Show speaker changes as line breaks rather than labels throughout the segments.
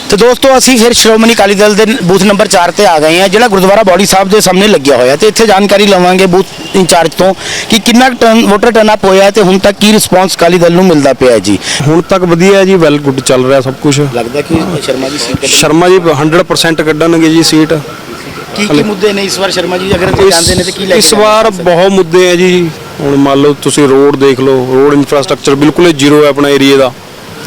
तो दोस्तों असी फिर श्रोमणी अकाली दल के बूथ नंबर 4 पर आ गए हैं, जो गुरुद्वारा बौड़ी साहब के सामने लग्या होया। तो इत्थे जानकारी लवांगे बूथ इंचार्ज तो कि कितना वोटर टर्नअप होया ते हुण तक की रिस्पॉन्स अकाली दल नूं मिलदा पिया जी।
ਹੁਣ तक वधिया है जी, वैल गुड चल रहा सब कुछ।
लगदा कि शर्मा जी सीट
शर्मा जी 100% कड्ढणगे जी सीट।
की मुद्दे ने इस बार शर्मा जी अगर ते जांदे ने ते की
इस बार बहुत मुद्दे हैं जी। ਹੁਣ मान लो तुसीं रोड देख लो, रोड इंफ्रास्ट्रक्चर बिल्कुल जीरो है अपना एरिए का,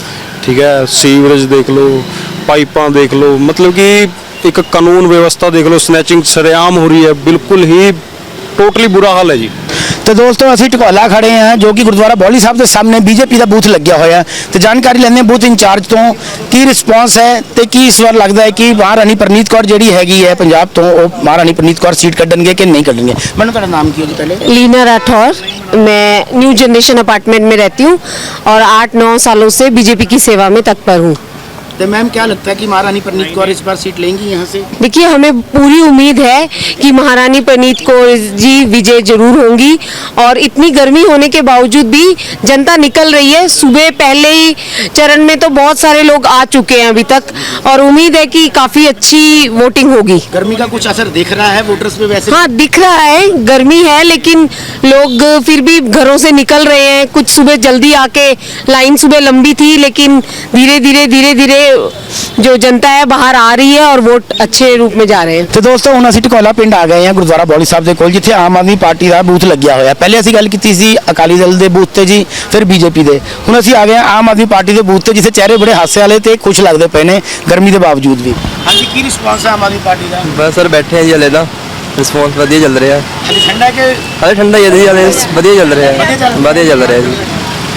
ठीक है। सीवरेज देख लो, पाइपां देख लो, मतलब कि एक कानून व्यवस्था देख लो, स्नैचिंग सरेआम हो रही है, बिल्कुल ही टोटली बुरा हाल है जी।
तो दोस्तों असी ढकोला खड़े हैं जो कि गुरुद्वारा बौली साहब के सामने बीजेपी का बूथ लग्या होया। तो जानकारी लेने बूथ इंचार्ज तो की रिस्पॉन्स है तो की इस बार लगता है कि महारानी परनीत कौर जी हैगी है पंजाब तो वो महारानी परनीत कौर सीट कढ़नगे कि नहीं कढ़नगे। मैंने तुहाडा नाम की पहले?
लीना राठौर। मैं न्यू जनरेशन अपार्टमेंट में रहती हूँ और 8-9 सालों से बीजेपी की सेवा में तत्पर हूँ।
तो मैम क्या लगता है कि महारानी परनीत कौर इस बार सीट लेंगी यहाँ से?
देखिए, हमें पूरी उम्मीद है कि महारानी परनीत कौर जी विजय जरूर होंगी और इतनी गर्मी होने के बावजूद भी जनता निकल रही है। सुबह पहले ही चरण में तो बहुत सारे लोग आ चुके हैं अभी तक और उम्मीद है कि काफ़ी अच्छी वोटिंग होगी।
गर्मी का कुछ असर दिख रहा है वोटर्स पे वैसे?
हाँ, दिख रहा है, गर्मी है लेकिन लोग फिर भी घरों से निकल रहे हैं। कुछ सुबह जल्दी आके, लाइन सुबह लंबी थी लेकिन धीरे धीरे जो जनता है बाहर आ रही है और वोट अच्छे रूप में जा रहे हैं।
तो दोस्तों ਹੁਣ ਅਸੀਂ ਢਕੋਲਾ ਪਿੰਡ ਆ ਗਏ ਹਾਂ ਗੁਰਦੁਆਰਾ ਬੌਲੀ ਸਾਹਿਬ ਦੇ ਕੋਲ, ਜਿੱਥੇ ਆਮ ਆਦਮੀ ਪਾਰਟੀ ਦਾ ਬੂਥ ਲੱਗਿਆ ਹੋਇਆ। ਪਹਿਲੇ ਅਸੀਂ ਗੱਲ ਕੀਤੀ ਸੀ ਅਕਾਲੀ ਦਲ ਦੇ ਬੂਥ ਤੇ ਜੀ, ਫਿਰ ਬੀਜੇਪੀ ਦੇ। ਹੁਣ ਅਸੀਂ ਆ ਗਏ ਹਾਂ ਆਮ ਆਦਮੀ ਪਾਰਟੀ ਦੇ ਬੂਥ ਤੇ, ਜਿੱਥੇ ਚਿਹਰੇ ਬੜੇ ਹਾਸੇ ਵਾਲੇ ਤੇ ਖੁਸ਼ ਲੱਗਦੇ ਪਏ ਨੇ ਗਰਮੀ ਦੇ ਬਾਵਜੂਦ ਵੀ। ਹਾਂਜੀ, ਕੀ ਰਿਸਪਾਂਸ ਹੈ ਆਮ ਆਦਮੀ ਪਾਰਟੀ ਦਾ?
बस सर बैठे हैं जी, हले तो रिस्पॉन्स वधिया चल रहा है।
ਹਾਲੇ ਠੰਡਾ ਕਿ
हले ठंडा ही है जी, हले वधिया चल रहा है, वधिया चल रहा है जी।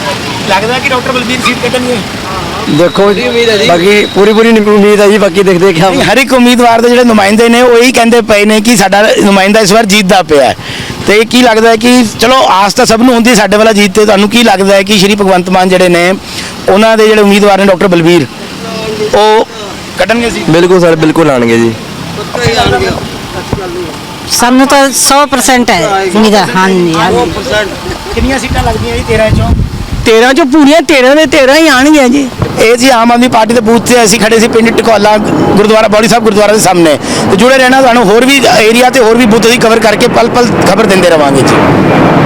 ਲੱਗਦਾ ਕਿ ਡਾਕਟਰ ਬਲਬੀਰ ਸੀਟ ਕੱਢਣਗੇ?
देखो बाकी पूरी उम्मीद है जी, बाकी देखते क्या।
ਹਰ ਇੱਕ ਉਮੀਦਵਾਰ ਦੇ ਜਿਹੜੇ ਨੁਮਾਇੰਦੇ ਨੇ ਉਹ ਇਹੀ ਕਹਿੰਦੇ ਪਏ ਨੇ ਕਿ ਸਾਡਾ ਨੁਮਾਇੰਦਾ ਇਸ ਵਾਰ ਜਿੱਤਦਾ ਪਿਆ ਹੈ। ਤੇ ਕੀ ਲੱਗਦਾ ਹੈ ਕਿ ਚਲੋ ਆਸ ਤਾਂ ਸਭ ਨੂੰ ਹੁੰਦੀ ਸਾਡੇ ਵਾਲਾ ਜੀਤ ਤੇ, ਤੁਹਾਨੂੰ ਕੀ ਲੱਗਦਾ ਹੈ ਕਿ ਸ਼੍ਰੀ ਭਗਵੰਤ ਮਾਨ ਜਿਹੜੇ ਨੇ ਉਹਨਾਂ ਦੇ ਜਿਹੜੇ ਉਮੀਦਵਾਰ ਨੇ ਡਾਕਟਰ ਬਲਬੀਰ ਉਹ ਕੱਢਣਗੇ ਸੀ?
बिल्कुल सर, बिल्कुल आएंगे जी।
ਸਾਨੂੰ ਤਾਂ 100% ਹੈ ਨਿਗਾ। ਹਾਂਜੀ
ਕਿੰਨੀਆਂ ਸੀਟਾਂ ਲੱਗਦੀਆਂ ਜੀ 13 ਚੋਂ?
13 ਚੋਂ ਪੂਰੀਆਂ 13 ਦੇ 13 ਹੀ ਆਣਗੀਆਂ ਜੀ।
ਇਹ ਜੀ ਆਮ ਆਦਮੀ ਪਾਰਟੀ ਦੇ ਬੂਥ ਤੇ ਅਸੀਂ ਖੜੇ ਸੀ ਪਿੰਡ ਢਕੋਲਾ ਗੁਰਦੁਆਰਾ ਬੌੜੀ ਸਾਹਿਬ ਗੁਰਦੁਆਰਾ ਦੇ ਸਾਹਮਣੇ। ਤੇ ਜੁੜੇ ਰਹਿਣਾ, ਤੁਹਾਨੂੰ ਹੋਰ ਵੀ ਏਰੀਆ ਤੇ ਹੋਰ ਵੀ ਬੂਥ ਦੀ ਕਵਰ ਕਰਕੇ ਪਲ ਪਲ ਖਬਰ ਦਿੰਦੇ ਰਵਾਂਗੇ ਜੀ।